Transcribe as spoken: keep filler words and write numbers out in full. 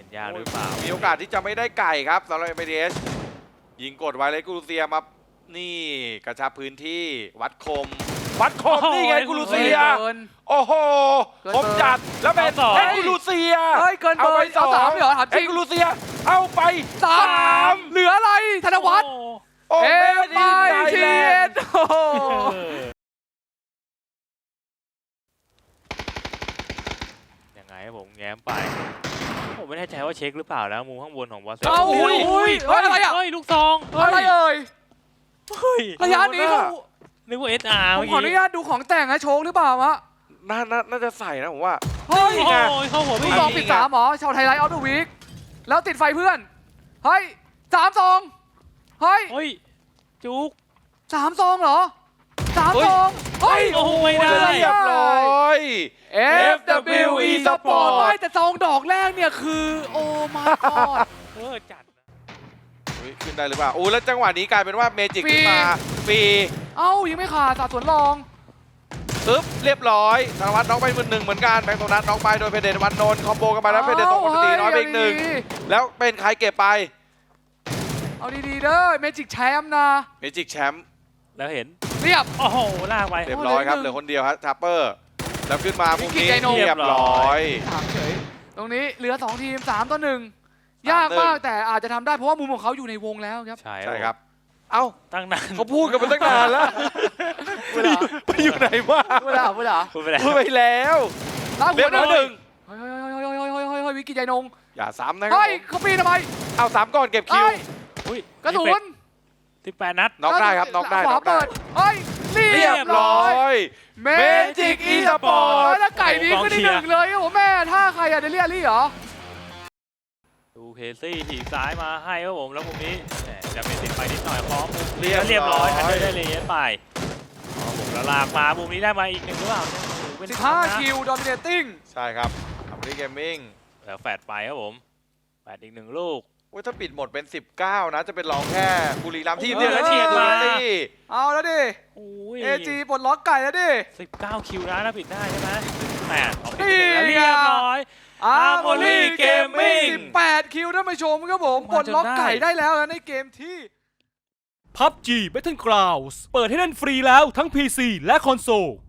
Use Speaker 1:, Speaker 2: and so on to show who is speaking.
Speaker 1: นยากหรือเปล่ามี
Speaker 2: มีโอกาสที่จะไม่ได้ไก่ครับสำหรับ เอ็ม ไอ ดี เอส ยิงกดไว้เลยกูรูเซียมานี่กระชับพื้นที่วัดคมวัดคมนี่ไงกูรูเซียโอ้โหคมจัดแล้วเป็นเอ็กกูรูเซีย
Speaker 3: เฮ้ยเกินเบอร์เอาสามเหรอถามจ
Speaker 2: เอ็
Speaker 3: ริ
Speaker 2: ก
Speaker 3: ง
Speaker 2: กูรูเซียเอาไป
Speaker 3: สามเหลืออะไรธนวัฒน์
Speaker 2: โอ้
Speaker 3: เอ็ม
Speaker 2: ไม่
Speaker 3: ไอ
Speaker 2: ดี
Speaker 3: ที
Speaker 2: แล
Speaker 3: เอ็
Speaker 2: น
Speaker 3: น
Speaker 2: ด์
Speaker 3: โอ้โห
Speaker 1: ยังไงผมแง้มไปผมไม่แน่ใจว่าเช็คหรือเปล่านะมุมข้างบนของบอสเซ
Speaker 3: เอ้าอุ้ยอุ้ยเฮ้ยอะไรอ่ะ
Speaker 1: เฮ้ยลูกซอง
Speaker 3: อะไรเอ่ย
Speaker 1: เฮ้ย
Speaker 3: ระยะนี้เขา
Speaker 1: นึกว่า เอส อาร์
Speaker 3: ผมขออนุญาตดูของแต่งนะโชคหรือเปล่าวะ
Speaker 2: น่าน่าน่าจะใส่นะผมว่า
Speaker 3: เฮ้ย
Speaker 1: โอ้ยเข้าหัว
Speaker 3: ลู
Speaker 1: ไม่
Speaker 3: กซองปิดสามเหรอชาวไทยไลท์ออฟเดอะวีคแล้วติดไฟเพื่อนเฮ้ยสามซองเฮ้ย
Speaker 1: เฮ้ยจุก
Speaker 3: สามซองเหรอสามซองเฮ้ย
Speaker 1: โอ้โหไม่ได้
Speaker 2: เรียบร้อย
Speaker 3: เอฟ ดับเบิลยู อี Sport ไม่แต่ซองดอกแรกเนี่ยคือโอ้ my god
Speaker 1: เออจัดนะ
Speaker 2: อุ๊ยขึ้นได้หรือเปล่าอู้แล้วจังหวะนี้กลายเป็นว่าเมจิกขึ้นมาฟรี
Speaker 3: เอ้ายังไม่ขาดสาดสวนรอง
Speaker 2: ปึ๊บเรียบร้อยธนวัฒน์น้องไปมือหนึ่งเหมือนกันแบงค์โทนัทน้องไปโดยเพเดตวันนนท์คอมโบกันมาแล้วเพเดตส่งปกติน้อยไปอีกหนึ่งแล้วเป็นใครเก็บไป
Speaker 3: เอาดีๆเด้อเมจิกแชมป์นะ
Speaker 2: เมจิกแชมป์
Speaker 1: แล้วเห็น
Speaker 3: เรียบ
Speaker 1: โอ้โหลากไป
Speaker 2: เรียบร้อยครับ
Speaker 3: เห
Speaker 2: เห
Speaker 3: ลื
Speaker 2: ลื
Speaker 3: อ
Speaker 2: อ
Speaker 3: หนึ่ง
Speaker 2: คนเดียวครับทัปเปอร์แล้วขึ้นมามุมนี้
Speaker 3: วิกกี้ไกโน่
Speaker 2: เรียบร้อย
Speaker 3: ถามเฉยตรงนี้เหลือสองทีมสามต่อหนึ่งยากมากแต่อาจจะทำได้เพราะว่ามุมของเขาอยู่ในวงแล้วครับ
Speaker 1: ใช่
Speaker 2: ใช่ครับ เอ้า
Speaker 1: ตั้งนาน
Speaker 2: เขาพูดกันมาตั้งนานแล้ว
Speaker 3: พูดเหรอ
Speaker 2: ไปอยู่ไหนวะ
Speaker 3: พูดเหรอพูดเหรอ
Speaker 1: พูดไปแล้ว
Speaker 2: พูดไปแล้ว
Speaker 3: ลากหั
Speaker 2: เรียว บร้อยหนึ่ง
Speaker 3: เฮ้ยเฮ้ยเฮ้ยเฮ้ยเฮ้ยเฮ้ยเฮ้ยเฮ้ยวิกกี้ใจนง
Speaker 2: อย่าซ้ำนะครั
Speaker 3: เฮ้ย
Speaker 2: ผม
Speaker 3: เขาปีนทำไม
Speaker 2: เอาสามก่อนเก็บคิว
Speaker 3: เฮ้ย
Speaker 1: อุ้ย
Speaker 3: กระสุน
Speaker 1: สิบแปดนัด
Speaker 2: น็อกได้ครับน็อกได้
Speaker 3: ข
Speaker 2: น็
Speaker 3: วา
Speaker 2: อกได้
Speaker 3: เปิดเฮ้ยเรี
Speaker 2: เรี
Speaker 3: ย
Speaker 2: ย
Speaker 3: บบ ร้
Speaker 2: ร้
Speaker 3: อ
Speaker 2: อย ย
Speaker 3: เม
Speaker 2: Magic Esport
Speaker 3: แล้วไก่นี้ขึ้นที่หนึ่งเลยครับผมแม่ท่าใครอะเดเลียรี่เหรอ
Speaker 1: ดูเคซี่ถีบซ้ายมาให้ครับผมแล้วมุมนี้แหมจะเป็นติดไปนิดหน่อยพร้อมมุม
Speaker 2: เรียบ
Speaker 1: เรียบร้อย
Speaker 2: ร้อย
Speaker 1: ทันเดอร์ได้เลยไปครับผมแล้วลากมามุมนี้ได้มาอีกหนึ่งหรือเปล่าเนี่ยโอ้โหเป็น
Speaker 3: สิบห้า
Speaker 1: นะ
Speaker 3: คิวดอมิเนตติ้ง
Speaker 2: ใช่ครับอัมรีเกมมิ่ง
Speaker 1: แล้วแฟดไปครับผมแฟดอีกหนึ่งลูก
Speaker 2: ว่าถ้าปิดหมดเป็น สิบเก้า นะ จะเป็นรองแค่บุรีรัมย์ที่
Speaker 1: โอ้โห
Speaker 2: เดียวแล้วเฉียดมา
Speaker 3: เอาแล้วดิ
Speaker 1: โอ้ย
Speaker 3: เอจีปลดล็อกไก่แล้วดิ
Speaker 1: สิบเก้าคิวนะถ้าปิดได้ใช่ไหมแหมออกไป
Speaker 3: นี่
Speaker 1: แล้วเรียบร้อย
Speaker 3: อาร์โม
Speaker 1: Armory
Speaker 3: ลี่เกมมิ่ง
Speaker 1: Gaming
Speaker 3: สิบแปดคิวท่านผู้ชมครับผมปลดล็อกไก่ได้แล้วนะในเกมที่
Speaker 4: พับจี Battlegrounds เปิดให้เล่นฟรีแล้วทั้ง พี ซี และคอนโซล